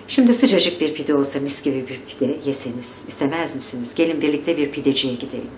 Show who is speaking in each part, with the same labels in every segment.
Speaker 1: Şimdi sıcacık bir pide olsa, mis gibi bir pide yeseniz istemez misiniz? Gelin birlikte bir pideciye gidelim.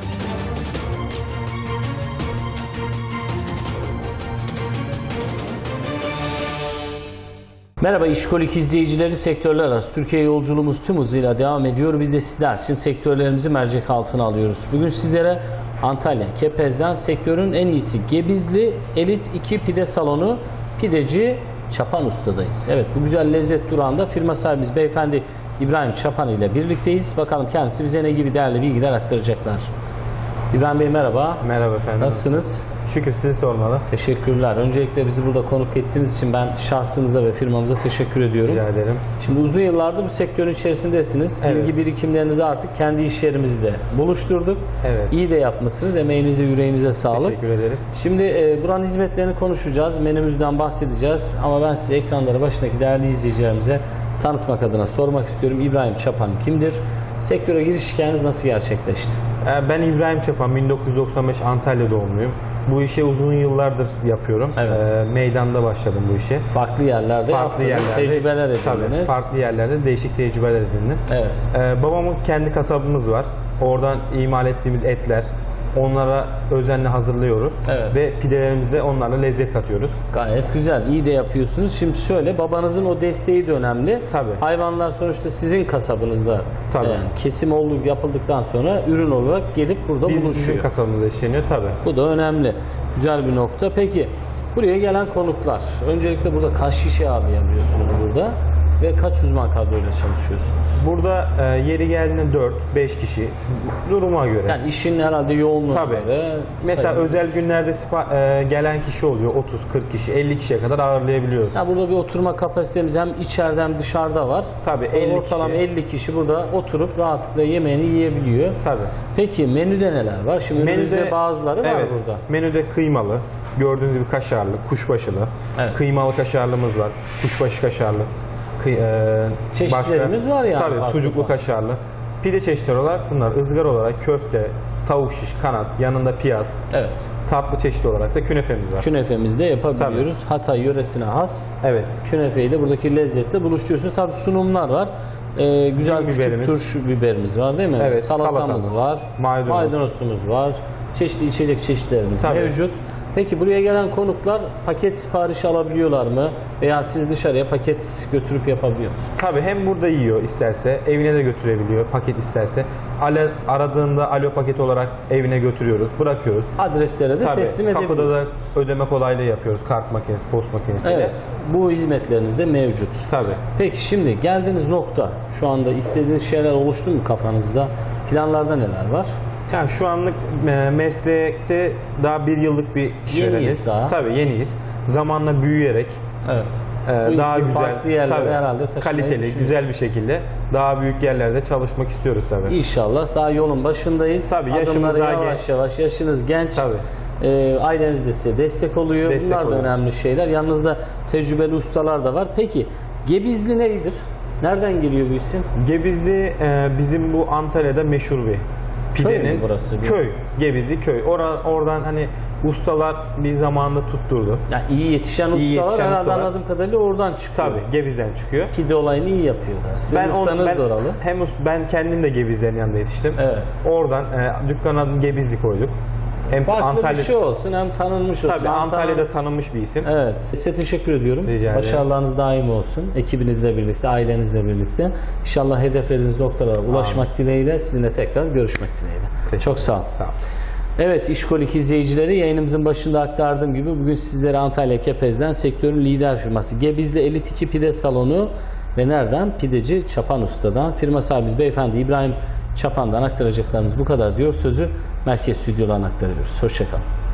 Speaker 2: Merhaba İşkolik izleyicileri, sektörler arası Türkiye yolculuğumuz tüm hızıyla devam ediyor. Biz de sizler için sektörlerimizi mercek altına alıyoruz. Bugün sizlere Antalya Kepez'den sektörün en iyisi Gebizli Elit 2 Pide Salonu Pideci Çapan Usta'dayız. Evet, bu güzel lezzet durağında firma sahibimiz beyefendi İbrahim Çapan ile birlikteyiz. Bakalım kendisi bize ne gibi değerli bilgiler aktaracaklar. İbrahim Bey merhaba.
Speaker 3: Merhaba efendim.
Speaker 2: Nasılsınız?
Speaker 3: Şükür, sizi sormalı.
Speaker 2: Teşekkürler. Öncelikle bizi burada konuk ettiğiniz için ben şahsınıza ve firmamıza teşekkür ediyorum.
Speaker 3: Rica ederim.
Speaker 2: Şimdi uzun yıllardır bu sektörün içerisindesiniz.
Speaker 3: Evet.
Speaker 2: Bilgi birikimlerinizi artık kendi iş yerimizde buluşturduk.
Speaker 3: Evet.
Speaker 2: İyi de yapmışsınız. Emeğinize, yüreğinize sağlık.
Speaker 3: Teşekkür ederiz.
Speaker 2: Şimdi buranın hizmetlerini konuşacağız. Menümüzden bahsedeceğiz. Ama ben size ekranları başındaki değerli izleyicilerimize tanıtmak adına sormak istiyorum. İbrahim Çapan kimdir? Sektöre giriş hikayeniz nasıl gerçekleşti?
Speaker 3: Ben İbrahim Çapan, 1995 Antalya doğumluyum. Bu işi uzun yıllardır yapıyorum.
Speaker 2: Evet.
Speaker 3: Meydanda başladım bu işe.
Speaker 2: Farklı yerlerde yaptınız, tecrübeler edindiniz.
Speaker 3: Tabii, farklı yerlerde değişik tecrübeler edindim.
Speaker 2: Evet.
Speaker 3: Babamın kendi kasabımız var. Oradan imal ettiğimiz etler, onlara özenle hazırlıyoruz.
Speaker 2: Evet.
Speaker 3: Ve pidelerimize onlarla lezzet katıyoruz.
Speaker 2: Gayet güzel. İyi de yapıyorsunuz. Şimdi şöyle, babanızın o desteği de önemli.
Speaker 3: Tabii.
Speaker 2: Hayvanlar sonuçta sizin kasabınızda.
Speaker 3: Tabii.
Speaker 2: Yani kesim yapıldıktan sonra ürün olarak gelip burada
Speaker 3: Bizim
Speaker 2: buluşuyor.
Speaker 3: kasabımızda işleniyor tabii.
Speaker 2: Bu da önemli. Güzel bir nokta. Peki buraya gelen konuklar. Öncelikle burada kaç kişi ağırlayabiliyorsunuz burada? Ve kaç uzman kadroyla çalışıyorsunuz?
Speaker 3: Burada yeri geldiğinde 4-5 kişi duruma göre.
Speaker 2: Yani işin herhalde yoğunluğuna
Speaker 3: Tabii.
Speaker 2: göre.
Speaker 3: Mesela
Speaker 2: sayılır.
Speaker 3: özel günlerde gelen kişi oluyor. 30-40 kişi, 50 kişiye kadar ağırlayabiliyoruz.
Speaker 2: Ya burada bir oturma kapasitemiz hem içeride hem dışarıda var.
Speaker 3: Tabii, 50
Speaker 2: Ortalama
Speaker 3: kişi.
Speaker 2: 50 kişi burada oturup rahatlıkla yemeğini yiyebiliyor.
Speaker 3: Tabii.
Speaker 2: Peki menüde neler var? Şimdi menüde bazıları var
Speaker 3: evet,
Speaker 2: burada.
Speaker 3: Menüde kıymalı, gördüğünüz gibi kaşarlı, kuşbaşılı,
Speaker 2: Evet.
Speaker 3: kıymalı kaşarlımız var, kuşbaşı kaşarlı.
Speaker 2: Çeşitlerimiz var yani.
Speaker 3: Tabii, sucuklu kaşarlı. Pide çeşitleri olarak bunlar ızgara olarak köfte, tavuk şiş, kanat, yanında piyaz.
Speaker 2: Evet.
Speaker 3: Tatlı çeşidi olarak da künefemiz var.
Speaker 2: Künefemizi de yapabiliyoruz. Hatay yöresine has.
Speaker 3: Evet.
Speaker 2: Künefeyi de buradaki lezzetle buluşturuyorsunuz. Tabii sunumlar var. Güzel küçük
Speaker 3: biberimiz.
Speaker 2: turşu biberimiz var değil mi?
Speaker 3: Evet,
Speaker 2: Salatamız
Speaker 3: salatamız,
Speaker 2: var. Maydanozumuz var. Çeşitli içecek çeşitlerimiz
Speaker 3: Tabii.
Speaker 2: mevcut. Peki buraya gelen konuklar paket siparişi alabiliyorlar mı? Veya siz dışarıya paket götürüp yapabiliyor musunuz?
Speaker 3: Tabii, hem burada yiyor isterse, evine de götürebiliyor paket isterse. Aradığında alo paket olarak evine götürüyoruz, bırakıyoruz.
Speaker 2: Adreslere de
Speaker 3: Tabii,
Speaker 2: teslim edebiliyoruz.
Speaker 3: kapıda da ödeme kolaylığı yapıyoruz, kart makinesi, post makinesiyle.
Speaker 2: Evet, bu hizmetleriniz de mevcut.
Speaker 3: Tabii.
Speaker 2: Peki şimdi geldiğiniz nokta, şu anda istediğiniz şeyler oluştu mu kafanızda? Planlarda neler var?
Speaker 3: Yani şu anlık meslekte daha bir yıllık bir işvereniz.
Speaker 2: daha.
Speaker 3: Tabii, yeniyiz. Zamanla büyüyerek
Speaker 2: Evet. Bu
Speaker 3: daha
Speaker 2: işi
Speaker 3: güzel,
Speaker 2: farklı yerlere herhalde taşımayı
Speaker 3: kaliteli,
Speaker 2: düşünüyorsunuz.
Speaker 3: güzel bir şekilde daha büyük yerlerde çalışmak istiyoruz tabii.
Speaker 2: İnşallah daha yolun başındayız.
Speaker 3: Tabii, yaşımız
Speaker 2: Adımları
Speaker 3: daha
Speaker 2: yavaş
Speaker 3: genç.
Speaker 2: yavaş, yaşınız genç.
Speaker 3: Tabii.
Speaker 2: Aileniz de size destek oluyor.
Speaker 3: Destek
Speaker 2: Bunlar da
Speaker 3: oluyor.
Speaker 2: önemli şeyler. Yanınızda tecrübeli ustalar da var. Peki Gebizli nedir? Nereden geliyor bu isim?
Speaker 3: Gebizli bizim bu Antalya'da meşhur bir pidenin
Speaker 2: Köy mü burası?
Speaker 3: köy. Gebizli köy. Oradan hani ustalar bir zamanında tutturdu.
Speaker 2: Yani iyi yetişen
Speaker 3: İyi
Speaker 2: ustalar
Speaker 3: yetişen
Speaker 2: herhalde
Speaker 3: ustalar.
Speaker 2: anladığım kadarıyla oradan çıkıyor.
Speaker 3: Tabii, Gebiz'den çıkıyor.
Speaker 2: Pide olayını iyi yapıyorlar. Sizin ustanız da oralı.
Speaker 3: Ben kendim de Gebizlerin yanında yetiştim.
Speaker 2: Evet.
Speaker 3: Oradan dükkan adını Gebizli koyduk. Hem
Speaker 2: Farklı bir şey olsun, hem tanınmış olsun.
Speaker 3: Tabii, Antalya'da tanınmış bir isim.
Speaker 2: Evet. Size teşekkür ediyorum.
Speaker 3: Rica ederim.
Speaker 2: Başarılarınız daim olsun. Ekibinizle birlikte, ailenizle birlikte. İnşallah hedefleriniz noktalara ulaşmak dileğiyle, sizinle tekrar görüşmek dileğiyle. Çok sağ olun.
Speaker 3: Sağ olun.
Speaker 2: Evet, İşkolik izleyicileri, yayınımızın başında aktardığım gibi bugün sizlere Antalya Kepez'den sektörün lider firması Gebizli Elit 2 Pide Salonu ve nereden? Pideci Çapan Usta'dan. Firma sahibimiz beyefendi İbrahim Çapan'dan aktaracaklarımız bu kadar diyor. Sözü merkez stüdyolarına aktarıyoruz. Hoşçakalın.